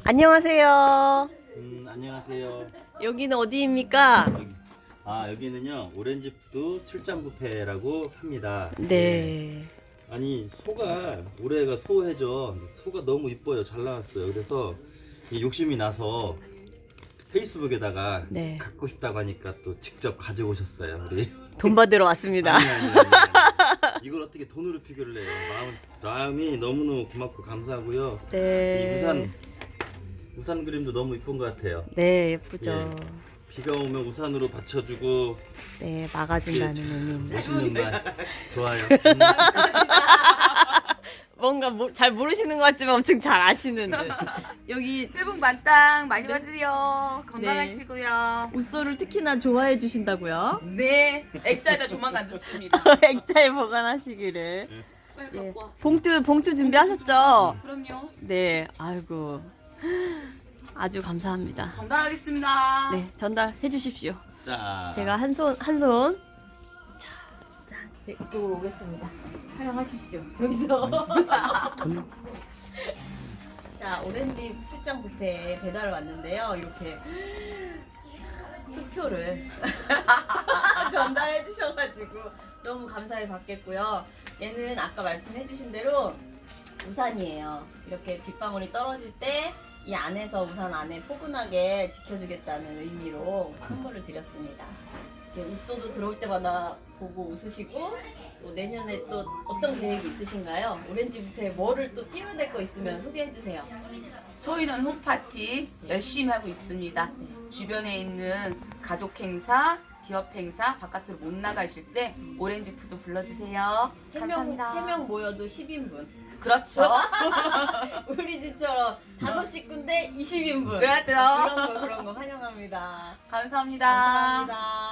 안녕하세요. 안녕하세요. 여기는 어디입니까? 여기는요 오렌지 푸드 출장 뷔페라고 합니다. 네. 아니 소가 올해가 소해죠. 소가 너무 이뻐요. 잘 나왔어요. 그래서 이 욕심이 나서 페이스북에다가 네. 갖고 싶다고 하니까 또 직접 가져오셨어요. 우리. 돈 받으러 왔습니다. 아니. 이걸 어떻게 돈으로 비교를 해요? 마음이 너무너무 고맙고 감사하고요. 이 네. 우산 그림도 너무 이쁜 것 같아요. 네, 예쁘죠. 예. 비가 오면 우산으로 받쳐주고 네, 막아준다는 의미. 멋있는 말 좋아요. 뭔가 잘 모르시는 것 같지만 엄청 잘 아시는 듯. 여기 새해 복 만땅 많이 받으세요. 건강하시고요. 웃소를 특히나 좋아해 주신다고요? 네, 액자에다 조만간 넣습니다. 액자에 보관하시기를. 빨리 예. 갖고 와. 봉투 준비하셨죠? 그럼요. 네, 아이고. 아주 감사합니다. 전달하겠습니다. 네, 전달해 주십시오. 자, 제가 한 손. 자, 이쪽으로 오겠습니다. 촬영하십시오. 저기서. 자, 오렌지 출장 뷔페에 배달 왔는데요. 이렇게 수표를 전달해 주셔가지고 너무 감사를 받겠고요. 얘는 아까 말씀해 주신 대로 우산이에요. 이렇게 빗방울이 떨어질 때 이 안에서 우산 안에 포근하게 지켜주겠다는 의미로 선물을 드렸습니다. 웃소도 들어올 때마다 보고 웃으시고 또 내년에 또 어떤 계획이 있으신가요? 오렌지 뷔페에 뭐를 또 띄워야 될 거 있으면 소개해 주세요. 소인원 홈파티 열심히 하고 있습니다. 주변에 있는 가족 행사, 기업 행사, 바깥으로 못 나가실 때 오렌지 푸드 불러주세요. 감사합니다. 3명 모여도 10인분. 그렇죠. 우리 집처럼 5식구인데 20인분. 그렇죠. 그런 거 환영합니다. 감사합니다. 감사합니다.